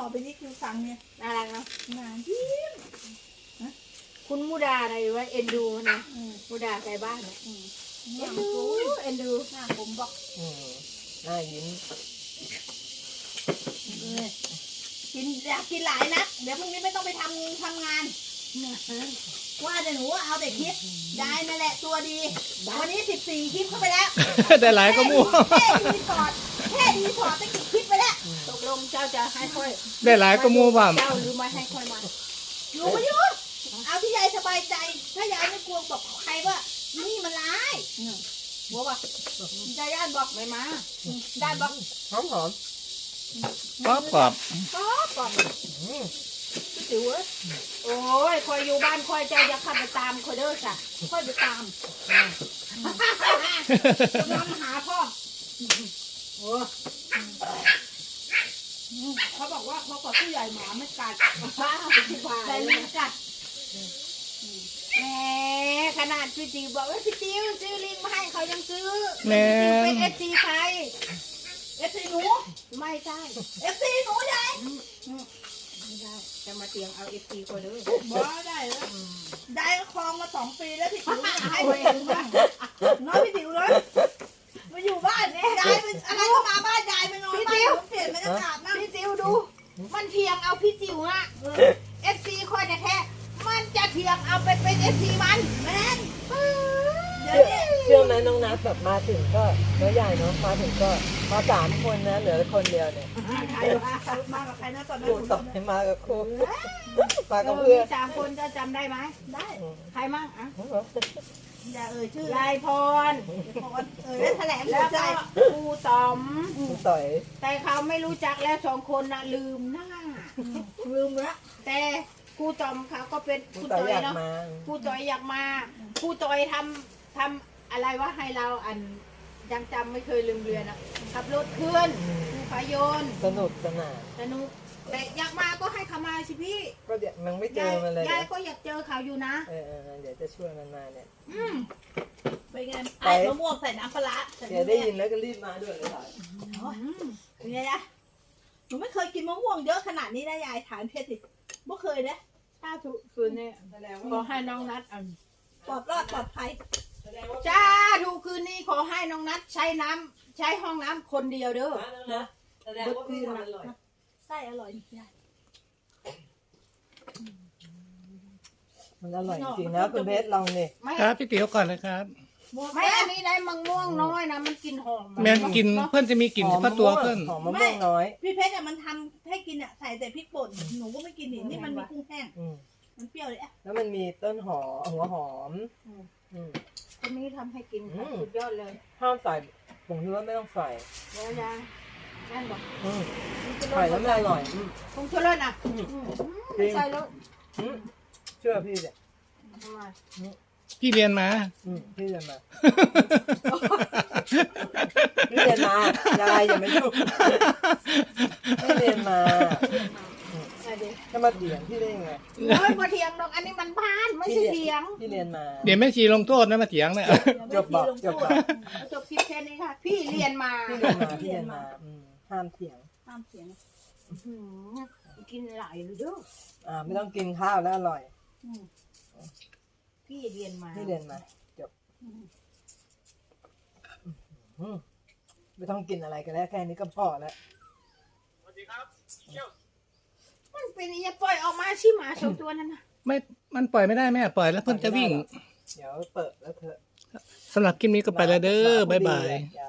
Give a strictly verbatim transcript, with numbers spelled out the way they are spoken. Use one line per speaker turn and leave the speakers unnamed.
อไปนี่คือฟังเนี่ย
น่ารักเนาะ
งานยิ้ม
คุณมูดาอะไรวะเอ็นดูนะ
อืม
มูดาใส่บ้านเนี่ย
อืม
เอ็
งาน
นดู
กู
เอ็นดู
หน้าผมบอก
อืมหน้ายิ้ม
เลยกินอยากกินหลายนัดเดี๋ยวพรุ่งนี้ไม่ต้องไปทำทำงาน ว่าแต่หนูเอาแต่คลิปได้นั่นแหละตัวดีวันนี้สิบสี่คลิปเข้าไปแล้ว
ได้หลายก็มั่ว
แค่ดีพอร์ตแค่ดีพอร์ตตั้งกี่คลิปไปแล้ว
ตกลงเจ้าจะให้ค่อย
ได้หลายก็มั่วบ้าง
เจ้าหรือไม่ให้ค่อยมา
อยู่ไม่อยู่เอาที่ยายสบายใจ ถ้ายายไม่กลัวบอกใครว่านี่มันร้ายหัวบอกยายย่านบอก
ไม่มา
ด้านบอก
หอมหอม
กรอบกรอบ
ก็บอก
อืม
พี่ติ๋วเอ้ยโอ้ยคอยอยู่บ้านคอยเจ้าจะขับไปตามคอยเด้อจ้ะคอยไปตามกำลังหาพ่อโอ้เขาบอกว่าเขาขอผู้ใหญ่หมาไม่กัดว้าวพี่ควาย
แต่ลิงกัด
แหมขนาดพี่ติ๋วบอกว่าพี่ติ๋วซื้อลิงมาให้เขายังซื้อ
แม่
พี่ติ๋วเป็นเอฟซีใคร
เอฟซีหนู
ไม่ใช่
เอฟซีหนูยาย
ไม่ได้จะมาเตียงเอาเอฟซีคนเด้อ
บอกได้แล้วได้คลองมาสองปีแล้วพี่ติ๋วให้ไปเองบ้างน้องพี่ติ๋วเลยมาอยู่บ้านเนี่ยยายเป็นอะไรก็มาบ้านยายไปนอนบ้านผมเปลี่ยนบรรยากาศมาก
พี่ติ๋วดู มันเทียงเอาพี่จิ๋วอะเอฟซีคอยแท้ๆมันจะเทียงเอาไปเป็นเอฟซีมัน
แม่นเดี๋ยว
เชื่อ
นี้
เชื่อไหมน้องนัทแบบมาถึงก็น้อยใหญ่เนาะมาถึงก็มาสามคนนะเหลือคนเดียวเนี่ย
ใครวะมากับใครนะตอนนั้น
ครูต่อยมากับครูมา
เอ
กับ
อ
เพื่
มี
อน
สามคนจะจำได้ไหม
ได้
ใครมั่งอะ
อย่าเอ่ยชื่อย
ายพร
พรเอ่ยแล้วแถลงหั
แล้ว ว
ใจ
ก็ครูต๋อม
ครูต่อย
แต่เขาไม่รู้จักแล้วสองคนนะลืมหน้า
ลืมแล้ว
แต่ครูต๋อมเขาก็เป็น
ค
ค
รู
รู
ต่อย
ต่อ
อย ยาก
เนาะ
มา
ครูต่อยอยากมาครูต่อยทำทำอะไรวะให้เราอันยังจำไม่เคยลืมเรือนอ่ะขับรถเคลื่อนครูพายน
สนุกสนาน
สนุกแต่อยากมาก็ให้เขามาสิพี่
ก็เดี๋ยวมันไม่เจ
ยา
อย มันเลย
ยายก็อยากเจอเขาอยู่นะ
เออเออเดี๋ยวจะช่วยมันมาเนี่ย
อืม
ไปไงไอ้มะม่วงใส่น้ำปลาร้า
เดี๋ยวได้ยินแล้วก็รีบมาด้วยเลยค่ะ
เป็นไงนะหนูไม่เคยกินมะม่วงเยอะขนาดนี้นะยายถามเพชรสิไม่เคยนะ
ถ้าถูกคืนนี้ขอให้น้องนัดอัน
ปลอดรอดปลอดภัย
จ้าถูกคืนนี้ขอให้น้องนัดใช้น้ำใช้ห้องน้ำคนเดียวเด้อ
แสดงว่าพี่ทำอร่อย
ไส้อร่อยยาย
มันอร่อยจริงๆนะคุณเพชรลองนี่
ไม่
ครับพี่ติ๋วก่อนเลยครับ
ไม่อันนี้ได้มังม่วงน้อยนะมันกลินหอม
แม่นกินเพื่อนจะมีกลิ่นเฉพาะตัวเพื่อน
หอมมะม่วงน้อย
พี่เพชรเนี่ยมันทำให้กินอ่ะใส่แต่พริกป่นหนูก็ไม่กินนี่นี่มันมีกุ้งแห้ง
อืม
มันเปรี้ยวเลยอ่ะ
แล้วมันมีต้นหอมหัวหอมอืม
คนนี้ทำให้กินค่ะ
อืม
สุดยอดเลย
ห้ามใส่ผงชูรสไม่ต้องใส่
เดี๋ยวยายนั่นบอก
อืม
มีชูร
ใส่
ส
แล้วมันอร่อยอืม
ผงชูรสอ่ะ
อืม
อืม
จริง
ใส่แล้ว
อืมเชื่อพี่เนี่ย
ทำไม
พี่เรียนมา
อืมพี่เรียนมาพี่เรียนมายายอย่ามายุ่งพี่เรียนมา
ใส่ดิ
จะมาเถียงพี่ได้ยังไง
โอ้ยมาเถียงดอกอันนี้มันบ้านไม่ใช่เถียง
พี่เรียนมา
เดี๋ยวแม่ชีลงโทษนะมาเถียงเนี่ย
จบบอกจบบอก
เอาจบคลิปแค่นี้ค่ะ พี่เรียนมา
พี่เรียนมาพี่เรียนมาอืมห้ามเถียง
ห้ามเสียง
อืมกินหลายเลยเด้อ
อ่าไม่ต้องกินข้าวแล้วอร่อย
อืมพี่เรียนมา
พี่เรียนมาจบอืมไม่ต้องกินอะไรกันแล้วแค่นี้ก็พอแล้ว
มันเป็นอย่าปล่อยออกมาชิหมาสองตัวนั่นนะ
ไม่มันปล่อยไม่ได้แม่ปล่อยแล้วเพื่อนจะวิ่ง
เดี๋ยวเปิดแล้วเถอะ
สำหรับคลิปนี้ก็ไปแล้วเด้อบ๊ายบาย
อย่า